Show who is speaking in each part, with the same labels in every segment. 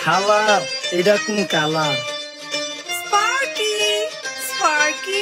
Speaker 1: হালার এটা কোন কালার?
Speaker 2: স্পার্কি স্পার্কি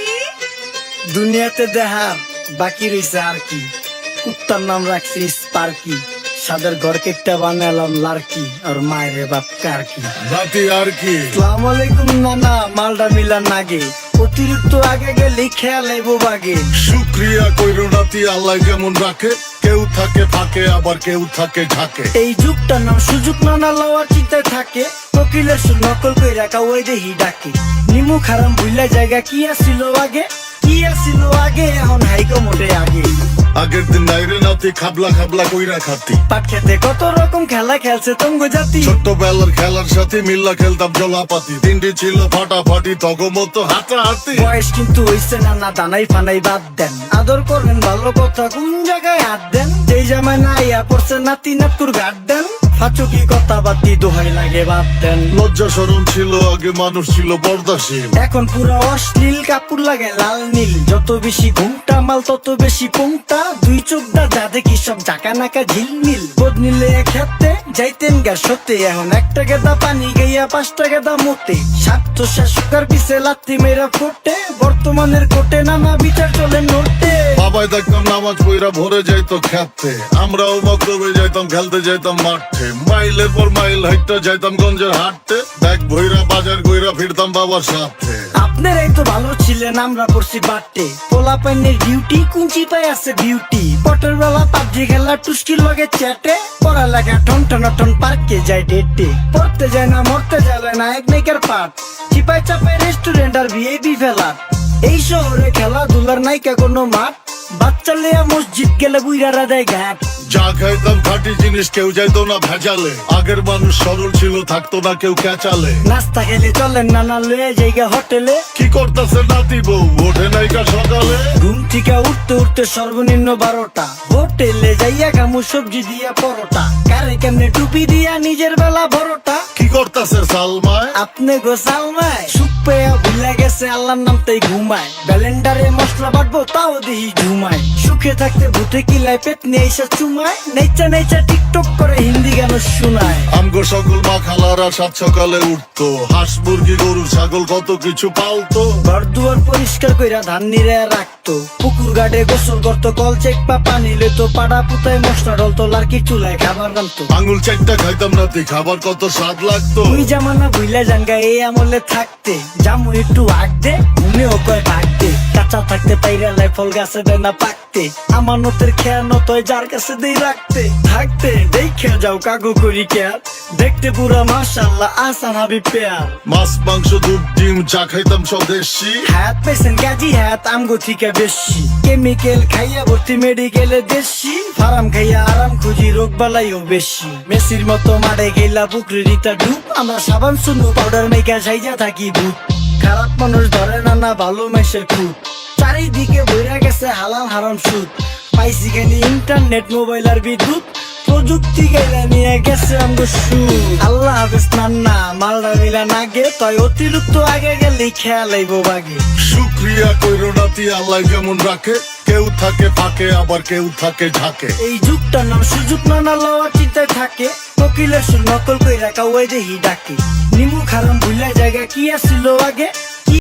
Speaker 1: দুনিয়াতে দেখার বাকি রয়েছে আর কি। কুত্তার নাম রাখছি স্পার্কি, সাদের ঘর কেটটা বানালাম লার্কি, আর মায়ের বাপ কার্কি।
Speaker 3: রাতে আর কি
Speaker 1: আসসালামু আলাইকুম নানা, মালডা মিলা নাগে, অতিরিক্ত আগে গেলে খেয়াল আইবো বাগে।
Speaker 3: শুক্রিয়া কইরো নাতি আল্লাহ কেমন রাখে, কেউ থাকে ফাঁকে আবার কেউ থাকে ঝাঁকে।
Speaker 1: এই যুগটার নাম সুযোগ নানা লওয়ার চিন্তায় থাকে, কোকিলের সুর নকল কই রাখা ওই দেহি ডাকে। নিমু খারাম ভুইলা জায়গা কি আসিল আগে, কি আসিল আগে, এখন হাইকো মোটে আগে।
Speaker 3: আগের দিন নাইরে নাতি খাবলা খাবলা কইরা খাতি,
Speaker 1: পাট খেতে কত রকম খেলা খেলছে তঙ্গ জাতি।
Speaker 3: ছোট্টবেলার খেলার সাথে মিল্লা খেলতাম জলাপাতি, তিনটি ছিল ফাটাফাটি তগমতো হাতাহাতি।
Speaker 1: বয়স কিন্তু হইছে না, না দানাই ফানাই বাদ দেন, আদর করবেন ভালো কথা কোন জায়গায় হাত দেন। যেই জামায় না ইয়া পড়ছে নাতি নাতুর গাট দেন, ফাচুকি কথা বাতি দোহাই লাগে বাদ দেন।
Speaker 3: লজ্জা শরম ছিল আগে, মানুষ ছিল পর্দাশীল,
Speaker 1: এখন পুরো অশ্লীল, কাপড় লাগে লাল নীল। যত বেশি ঘুমটা মাল তত বেশি পুংটা, দুই চোখ দা যা দেখি সব জাকা নাকা ঝিলমিল। বোধ নিলে খেতে যাইতেন গা সতে, এখন একটা গেদা পানি গাইয়া 5টা গেদা মতে। স্বার্থ শাসকার পিছে লাত্তি মেয়েরা ফোটে, বর্তমানের কোটে নানা বিচার চলে নোটে।
Speaker 3: বাবাই দেখতাম নামাজ পইরা ভরে যাইতো খেতে, আমরাও মক্তবে যাইতাম খেলতে যাইতাম মাঠে। মাইলের পর মাইল হাইটটা যাইতাম গঞ্জের হাটতে, ব্যাগ ভইরা বাজার কইরা ফিরতাম বাবার সাথে।
Speaker 1: আপনারাই তো ভালো ছিলেন, আমরা পড়ছি বাটে। পোলা পাইনের ডিউটি কুঞ্চি পাই আছে বিউটি, পটের বেলা পাবজি খেলা টুস্কির লগে চ্যাটে। পড়ালেখা টন টন টন পার্কে যায় ডেটে, পড়তে যায় না মরতে যাবে না এক নাইকার পাট। চিপাই চাপাই রেস্টুরেন্ট আর ভিআইপি ফেলার, এই শহরে খেলাধুলার নাইকা কোনো মাঠ। বাচ্চা লেয়া মসজিদ গেলে বুইরারা দেয় ঘাট।
Speaker 3: যা খাইতাম খাঁটি জিনিস, কেউ যাইতো না ভেজালে। আগের মানুষ সরল ছিল, থাকতো না কেউ ক্যাচালে।
Speaker 1: নাস্তা খেলে চলেন নানা লয়ে জায়গা হোটেলে,
Speaker 3: কি করতেছে নাতি বউ ওঠে নাইকা সকালে।
Speaker 1: ঘুম থেকে উঠতে উঠতে সর্বনিম্ন 12টা, হোটেলে যাইয়া খামু সবজি দিয়া পরোটা। কারে কেমনে টুপি দিয়া নিজের বেলা বড়টা,
Speaker 3: কি করতেছে সালমায়
Speaker 1: আপনি গো সালমায়। সুখ পেয়া ভুলে গেছে আল্লাহর নাম তাই ঘুমায়, ব্যালেন্ডারে মশলা বাটবো তাও দেহি ঝুমায়। সুখে থাকতে ভূতে কিলায় পেট নিয়ে এসে চুমায়, নেচা নেচা টিকটক করে হিন্দি গান শোনায়।
Speaker 3: আমগো সকল মা খালারা সাত সকালে উঠতো, হাঁস মুরগি গরু ছাগল কত কিছু পালতো।
Speaker 1: ঘর দুয়ার পরিষ্কার কইরা ধান নিরে রাখতো, পুকুর ঘাটে গোসল করতো, কল চেক পা পানি লইতো, পাড়া পুতায় মশলা ডলতো, লার্কি চুলায় খাবার রান্তো।
Speaker 3: আঙুল চারটা খাইতাম নাতি, খাবার কত স্বাদ লাগতো।
Speaker 1: ওই জামানা ভুইলা জাঙ্গা এই আমলে থাকতে, জামু একটু আগ দে ঘুমেও কয় ভাগ দে। কাঁচা থাকতে পাইরা লাই ফল গাছে দেয় না পাকতে, আমানতের খেয়ানত হয় যার কাছে দেই রাখতে। থাকতে দেখে যাও কাগু করি কেয়ার, দেখতে পুরা মাশাআল্লাহ আসান হাবিব পেয়ার।
Speaker 3: মাছ মাংস দুধ ডিম চা খাইতাম স্বদেশি,
Speaker 1: হাত পেছেন কাজী হাত আমগো থেকে বেশি। কেমিক্যাল খাইয়া ভর্তি মেডিকেলে দেশি, ফার্ম খাইয়া আরাম খুঁজি রোগ বালাইও বেশি। মেসির মতো মারে গেলা পুকুরে রিতা ডুব, আমরা সাবান শুনু পাউডার মেকা সাইজা থাকি ভূত। খারাপ মানুষ ধরে না না ভালো মেসের খুব, চারিদিকে বইরা গেছে হালাল হারাম সুদ। পাইছি খালি ইন্টারনেট মোবাইল আর বিদ্যুৎ, প্রযুক্তি গেলে নিয়ে গেছে আমগো সুদ। আল্লাহ হাফেজ নান্না, মালদা মিলা নাগে, তাই অতিরিক্ত আগে গেলে খেয়াল আইবো বাগে।
Speaker 3: শুক্রিয়া কইরো নাতি আল্লাহ কেমন রাখে, কেউ থাকে ফাঁকে আবার কেউ থাকে ঝাঁকে।
Speaker 1: এই যুগটার নাম সুযোগ নানা লওয়ার চিন্তায় থাকে, কোকিলের সুর নকল কই রাখা ওই দেহি ডাকে। নিমু খারাম ভুলা জায়গা কি আসিল আগে,